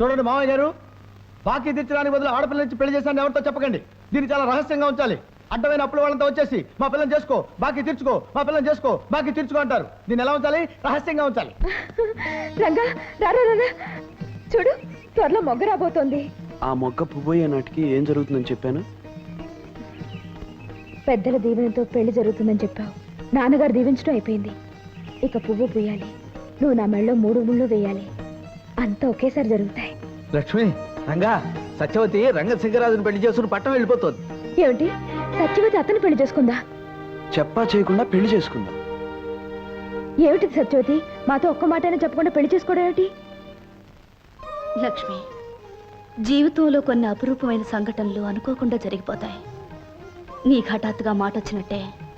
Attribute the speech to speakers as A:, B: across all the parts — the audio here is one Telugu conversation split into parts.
A: చూడండి మామయ్య గారు, బాకీ తీర్చడానికి బదులు ఆడపిల్ల నుంచి పెళ్లి చేశాను ఎవరితో చెప్పకండి. దీన్ని చాలా రహస్యంగా ఉంచాలి. అడ్డమైన అప్పుల వాళ్ళంతా వచ్చేసి మా పిల్లని చేసుకో, బాకీ తీర్చుకో, మా పిల్లని చేసుకో, బాకీ తీర్చుకో అంటారు. దీన్ని ఎలా ఉంచాలి? రహస్యంగా ఉంచాలి.
B: రంగా రారా, చూడు త్వరలో మొగ్గ రాబోతోంది.
C: ఆ మొగ్గ పువ్వయ్యే నాటికి ఏం జరుగుతుందని చెప్పాను?
B: పెద్దల దీవెనతో పెళ్లి జరుగుతుందని చెప్పావు. నాన్నగారు దీవించడం అయిపోయింది. ఇక పువ్వు పూయాలి, నువ్వు నా మెళ్ళలో 3 ముళ్ళు వేయాలి. అంతా ఒకేసారి జరుగుతాయి.
A: లక్ష్మి, రంగా, సత్యవతి రంగశంకరాజుని పెళ్లి చేసుకుని పట్టం వెళ్ళిపోతుంది.
B: ఏమిటి, సత్యవతి అతను పెళ్లి చేసుకుందా?
C: చెప్పా చేయకుండా పెళ్లి చేసుకుందాం.
B: ఏమిటి సత్యవతి, మాతో ఒక్క మాటైనా చెప్పకుండా పెళ్లి చేసుకోవడం ఏమిటి?
D: లక్ష్మి, జీవితంలో కొన్ని అపురూపమైన సంఘటనలు అనుకోకుండా జరిగిపోతాయి. నీకు హఠాత్తుగా మాట వచ్చినట్టే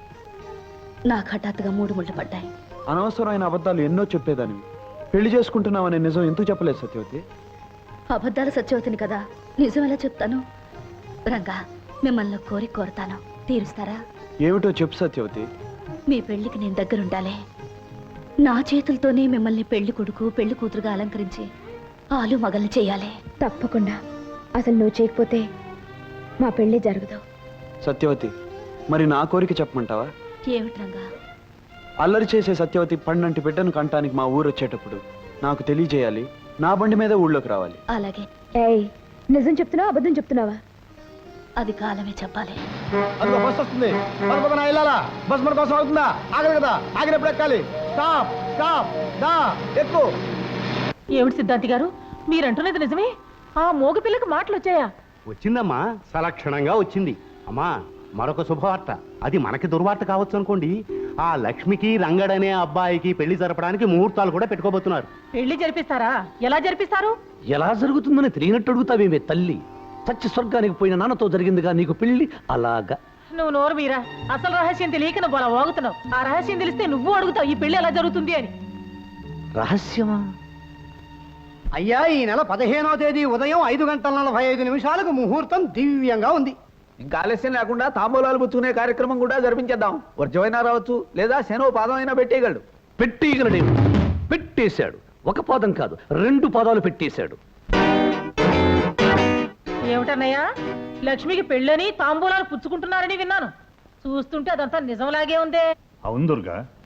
D: నాకు హఠాత్తుగా 3 ముళ్ళు పడ్డాయి.
C: అనవసరమైన అబద్ధాలు ఎన్నో చెప్పేదాన్ని. పెళ్లి చేసుకుంటున్నామనే నిజం ఎందుకు చెప్పలేదు సత్యవతి?
D: అబద్ధాల సత్యవతిని కదా, నిజం ఎలా చెప్తాను? రంగా, మిమ్మల్ని కోరుతాను, తీరుస్తారా?
C: ఏమిటో చెప్పు సత్యవతి.
D: మీ పెళ్లికి నేను దగ్గరుండాలి. నా చేతులతోనే మిమ్మల్ని పెళ్లి కొడుకు పెళ్లి కూతురుగా అలంకరించి ఆలు మగల్ని చేయాలి.
B: తప్పకుండా. అసలు నువ్వు చేయకపోతే మా పెళ్లి జరగదు.
C: సత్యవతి, మరి నా కోరిక చెప్పమంటావా?
D: ఏమిటి రంగా?
C: అల్లరి చేసే సత్యవతి పండంటి బిడ్డను కంటానికి మా ఊరు వచ్చేటప్పుడు నాకు తెలియజేయాలి. నా బండి మీద ఊళ్ళోకి రావాలి.
D: అలాగే.
B: ఏయ్, నిజం చెప్తున్నావా అబద్ధం చెప్తున్నావా?
D: అది కాలమే చెప్పాలి.
A: అందులో బస్ వస్తుంది. వెళ్ళాలా? బస్ మన కోసం అవుతుందా? ఆగదు కదా, ఆగినప్పుడు ఎక్కాలి. స్టాప్ స్టాప్, దా ఎక్కు.
E: ఏమిటి సిద్ధాంతి గారు, మీరంటున్నది నిజమే? ఆ మోగ పిల్లకి మాటలు వచ్చాయా?
F: వచ్చిందమ్మా, సలక్షణంగా వచ్చింది. అమ్మా, మరొక శుభవార్త. అది మనకి దుర్వార్త కావచ్చు అనుకోండి. ఆ లక్ష్మికి రంగడనే అబ్బాయికి పెళ్లి జరపడానికి ముహూర్తాలు కూడా పెట్టుకోబోతున్నారు.
E: పెళ్లి జరిపిస్తారా? ఎలా జరిపిస్తారు?
G: ఎలా జరుగుతుందని తెలియనట్టు అడుగుతావేమే తల్లి. చచ్చి స్వర్గానికి పోయిన నాన్నతో జరిగిందిగా నీకు పెళ్లి. అలాగా
E: నువ్వు నోరు మీరా, అసలు రహస్యం తెలియక నువ్వు అలా వాగుతున్నావు. ఆ రహస్యం తెలిస్తే నువ్వు అడుగుతావు ఈ పెళ్లి ఎలా జరుగుతుంది అని.
G: రహస్యమా?
F: అయ్యా, ఈ నెల 15వ తేదీ ఉదయం 5:45 ముహూర్తం దివ్యంగా ఉంది.
A: ఇంకా ఆలస్యం లేకుండా తాంబూలాలు పుచ్చుకునే కార్యక్రమం కూడా జరిపించేద్దాం. వర్జమైనా రావచ్చు, లేదా శనో పాదం అయినా పెట్టేయగలడు.
G: పెట్టేయగలడేమో. పెట్టేశాడు. ఒక పాదం కాదు, 2 పాదాలు పెట్టేశాడు.
E: ఏమిటన్నయ్యా, లక్ష్మికి పెళ్ళని తాంబూలాలు పుచ్చుకుంటున్నారని విన్నాను. చూస్తుంటే అదంతా నిజంలాగే ఉందే.
H: అవును దుర్గా,